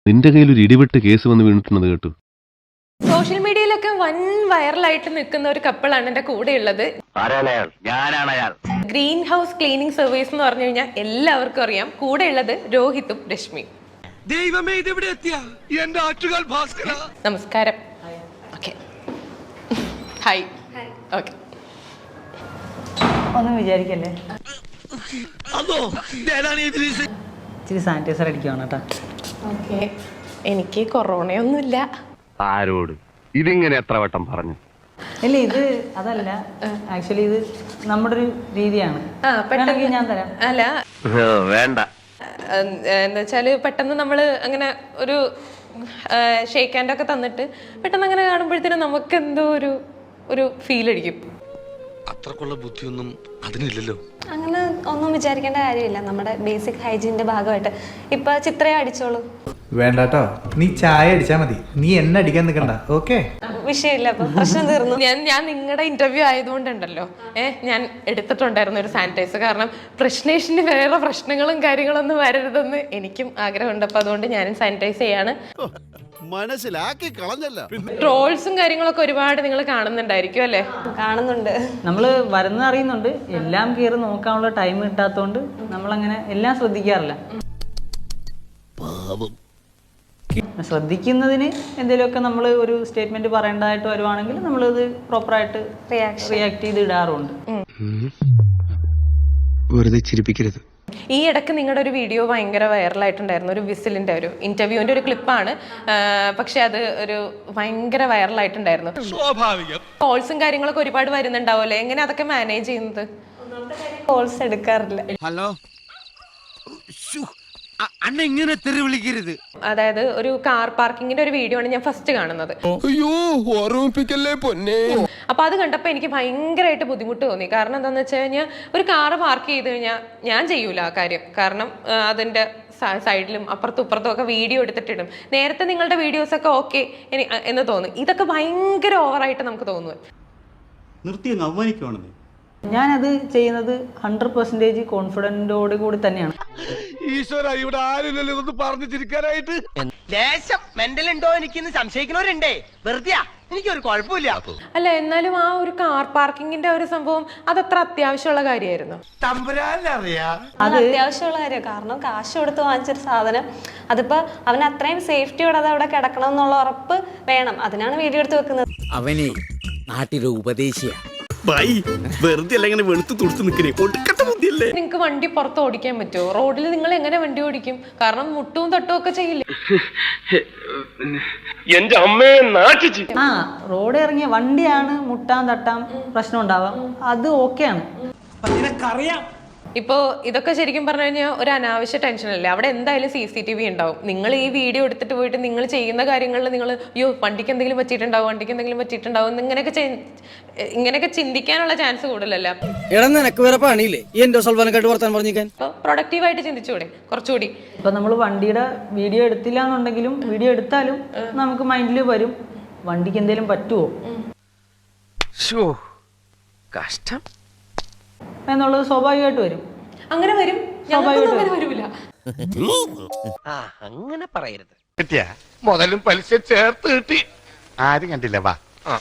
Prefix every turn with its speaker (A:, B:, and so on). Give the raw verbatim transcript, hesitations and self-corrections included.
A: നിന്റെ കയ്യിൽ ഒരു ഇടിവെട്ട് കേസ് വന്ന് വീണിട്ടുള്ളത് കേട്ടു.
B: സോഷ്യൽ മീഡിയയിലൊക്കെ വൻ വൈറലായിട്ട് നിൽക്കുന്ന ഒരു കപ്പിളാണ് എന്റെ കൂടെ ഉള്ളത്. ഗ്രീൻ ഹൗസ് ക്ലീനിങ് സർവീസ് എന്ന് പറഞ്ഞു കഴിഞ്ഞാൽ എല്ലാവർക്കും അറിയാം. കൂടെ ഉള്ളത് രോഹിത്തും രശ്മി. നമസ്കാരം. Okay, hi. ഓക്കെ,
C: ഒന്നും വിചാരിക്കല്ലേ, ഇച്ചിരി സാനിറ്റൈസർ അടിക്കുവാണ് കേട്ടോ.
B: ഓക്കെ, എനിക്ക് കൊറോണയൊന്നുമില്ല.
A: ആരോട് ഇതിങ്ങനെ എത്ര വട്ടം പറഞ്ഞു?
C: ഇല്ല, ഇത് അതല്ല, ആക്ച്വലി ഇത് നമ്മുടെ ഒരു രീതിയാണ്. വേണമെങ്കിൽ ഞാൻ തരാം.
B: അല്ല
A: വേണ്ട,
B: എന്താ വെച്ചാല് പെട്ടെന്ന് നമ്മള് അങ്ങനെ ഒരു ഷേക്ക് ഹാൻഡ് ഒക്കെ തന്നിട്ട് പെട്ടെന്ന് അങ്ങനെ കാണുമ്പോഴത്തേനും നമുക്ക് എന്തോ ഒരു ഒരു ഫീൽ അടിക്കും.
D: അത്രക്കുള്ള ബുദ്ധിയൊന്നും അതിനില്ലല്ലോ.
E: അങ്ങനെ ഒന്നും വിചാരിക്കേണ്ട കാര്യമില്ല. നമ്മുടെ ബേസിക് ഹൈജീനിന്റെ ഭാഗമായിട്ട് ഇപ്പൊ ചിത്രയെ അടിച്ചോളൂ.
F: വേണ്ടാട്ടോ, നീ ചായ അടിച്ചാ മതി, നീ എന്നെ അടിക്കാൻ നിൽക്കണ്ട. ഓക്കെ,
E: വിഷയമില്ല, അപ്പൊ പ്രശ്നം തീർന്നു.
B: ഞാൻ ഞാൻ നിങ്ങളുടെ ഇന്റർവ്യൂ ആയതുകൊണ്ടുണ്ടല്ലോ ഏഹ് ഞാൻ എടുത്തിട്ടുണ്ടായിരുന്നു ഒരു സാനിറ്റൈസർ. കാരണം പ്രശ്നേഷിന് വേറെ പ്രശ്നങ്ങളും കാര്യങ്ങളൊന്നും വരരുതെന്ന് എനിക്കും ആഗ്രഹമുണ്ട്. അപ്പൊ അതുകൊണ്ട് ഞാനും സാനിറ്റൈസ് ചെയ്യാണ്.
D: മനസ്സിലാക്കി കളഞ്ഞല്ല.
B: ട്രോൾസും കാര്യങ്ങളൊക്കെ ഒരുപാട് നിങ്ങൾ കാണുന്നുണ്ടായിരിക്കും അല്ലേ?
E: കാണുന്നുണ്ട്.
C: നമ്മള് വരുന്നത് അറിയുന്നുണ്ട്, എല്ലാം കയറി നോക്കാനുള്ള ടൈം കിട്ടാത്തോണ്ട് നമ്മളങ്ങനെ എല്ലാം ശ്രദ്ധിക്കാറില്ല. ശ്രദ്ധിക്കുന്നതിന് എന്തെങ്കിലുമൊക്കെ നമ്മൾ ഒരു സ്റ്റേറ്റ്മെന്റ് പറയേണ്ടതായിട്ട് വരുവാണെങ്കിൽ നമ്മളത് പ്രോപ്പറായിട്ട് റിയാക്ട് ചെയ്ത് ഇടാറുണ്ട്.
D: വെറുതെ ചിരിപ്പിക്കരുത്.
B: ഈ ഇടയ്ക്ക് നിങ്ങളുടെ ഒരു വീഡിയോ ഭയങ്കര വൈറലായിട്ടുണ്ടായിരുന്നു. ഒരു വിസിലിന്റെ ഒരു ഇന്റർവ്യൂവിന്റെ ഒരു ക്ലിപ്പാണ്. പക്ഷെ അത് ഒരു ഭയങ്കര വൈറലായിട്ടുണ്ടായിരുന്നു. കോൾസും കാര്യങ്ങളൊക്കെ ഒരുപാട് വരുന്നുണ്ടാവുമല്ലേ? എങ്ങനെ അതൊക്കെ മാനേജ് ചെയ്യുന്നത്?
E: കോൾസ് എടുക്കാറില്ല.
D: ഹലോ, അണ്ണ ഇങ്ങനെ തെറി വിളിക്കരുത്.
B: അതായത് ഒരു കാർ പാർക്കിങ്ങിന്റെ ഒരു വീഡിയോ ആണ് ഞാൻ ഫസ്റ്റ് കാണുന്നത്.
D: അയ്യോ, ഓർമ്മിപ്പിക്കല്ലേ പൊന്നെ.
B: അപ്പൊ അത് കണ്ടപ്പോ എനിക്ക് ഭയങ്കരമായിട്ട് ബുദ്ധിമുട്ട് തോന്നി. കാരണം എന്താന്ന് വെച്ച് കഴിഞ്ഞാൽ ഒരു കാറ് പാർക്ക് ചെയ്ത് കഴിഞ്ഞാൽ ഞാൻ ചെയ്യൂല ആ കാര്യം. കാരണം അതിന്റെ സൈഡിലും അപ്പുറത്തും ഇപ്പുറത്തും ഒക്കെ വീഡിയോ എടുത്തിട്ടിടും. നേരത്തെ നിങ്ങളുടെ വീഡിയോസ് ഒക്കെ ഓക്കെ എന്ന് തോന്നും. ഇതൊക്കെ ഭയങ്കര ഓവറായിട്ട് നമുക്ക് തോന്നുന്നു.
G: നിർത്തി അങ്ങ് അവമാനിക്കുവാണെന്ന്.
C: ഞാനത് ചെയ്യുന്നത് ഹൺഡ്രഡ് പെർസെന്റേജ് കോൺഫിഡൻറ്റോട് കൂടി തന്നെയാണ്.
D: ഈശ്വര, ഇവിടെ ആരില്ലല്ലോ ഇതൊന്ന് പറഞ്ഞു ചിരിക്കാനായിട്ട്.
H: ലേശം മെന്റൽ ഉണ്ടോ എനിക്കിന്ന് സംശയിക്കുന്നവരുണ്ടേ. വെറുതെ എനിക്കൊരു കുഴപ്പമില്ല.
B: അല്ല, എന്നാലും ആ ഒരു കാർ പാർക്കിങ്ങിന്റെ ഒരു സംഭവം അതത്ര അത്യാവശ്യമുള്ള കാര്യമായിരുന്നു.
E: അത് അത്യാവശ്യമുള്ള കാര്യം. കാരണം കാശ് കൊടുത്ത് വാങ്ങിച്ചൊരു സാധനം, അതിപ്പോ അവൻ അത്രയും സേഫ്റ്റിയോടെ അത് അവിടെ കിടക്കണം എന്നുള്ള ഉറപ്പ് വേണം. അതിനാണ് വീഡിയോ എടുത്ത് വെക്കുന്നത്.
H: അവനെ നാട്ടിലെ ഉപദേശിയ
D: വെറുതെ അല്ല ഇങ്ങനെ വെളുത്ത് തുടുത്ത് നിൽക്കണേ. ഒടുക്കത്തെ ബുദ്ധിയല്ലേ.
B: നിങ്ങൾക്ക് വണ്ടി പുറത്ത് ഓടിക്കാൻ പറ്റുമോ? റോഡിൽ നിങ്ങൾ എങ്ങനെ വണ്ടി ഓടിക്കും? കാരണം മുട്ടും തട്ടും ഒക്കെ ചെയ്യില്ലേ?
A: എന്റെ അമ്മയെ നാട്ടിച്ച്.
C: ആ, റോഡ് ഇറങ്ങിയ വണ്ടിയാണ് മുട്ടാൻ തട്ടാൻ പ്രശ്നം ഉണ്ടാവാം, അത് ഓക്കെയാണ്.
B: ഇപ്പോ ഇതൊക്കെ ശരിക്കും പറഞ്ഞു കഴിഞ്ഞാൽ ഒരു അനാവശ്യ ടെൻഷനല്ലേ? അവിടെ എന്തായാലും സി സി ടി വി ഉണ്ടാവും. നിങ്ങൾ ഈ വീഡിയോ എടുത്തിട്ട് പോയിട്ട് നിങ്ങൾ ചെയ്യുന്ന കാര്യങ്ങളിൽ നിങ്ങൾ അയ്യോ വണ്ടിക്ക് എന്തെങ്കിലും പറ്റിയിട്ടുണ്ടാവും, വണ്ടിക്ക് എന്തെങ്കിലും പറ്റിയിട്ടുണ്ടാവും, ഇങ്ങനെയൊക്കെ ഇങ്ങനെയൊക്കെ ചിന്തിക്കാനുള്ള ചാൻസ് കൂടുതലല്ലേ?
H: നിനക്ക് വേറെ പണിയില്ലേ എന്റെ സൽവാനക്കായിട്ട് വർത്താൻ പറഞ്ഞിരിക്കാൻ?
B: അപ്പൊ പ്രൊഡക്റ്റീവായിട്ട് ചിന്തിച്ചുകൂടെ കുറച്ചുകൂടി?
C: ഇപ്പൊ നമ്മൾ വണ്ടിയുടെ വീഡിയോ എടുത്തില്ല എന്നുണ്ടെങ്കിലും വീഡിയോ എടുത്താലും നമുക്ക് മൈൻഡിൽ വരും വണ്ടിക്ക് എന്തെങ്കിലും പറ്റുമോ
H: കഷ്ടം
C: എന്നുള്ളത് സ്വാഭാവികമായിട്ട് വരും.
B: അങ്ങനെ വരും, അങ്ങനെ വരില്ല.
H: അങ്ങനെ പറയരുത്.
D: മുതലും പലിശ ചേർത്ത് കിട്ടി. ആരും കണ്ടില്ല. വാ.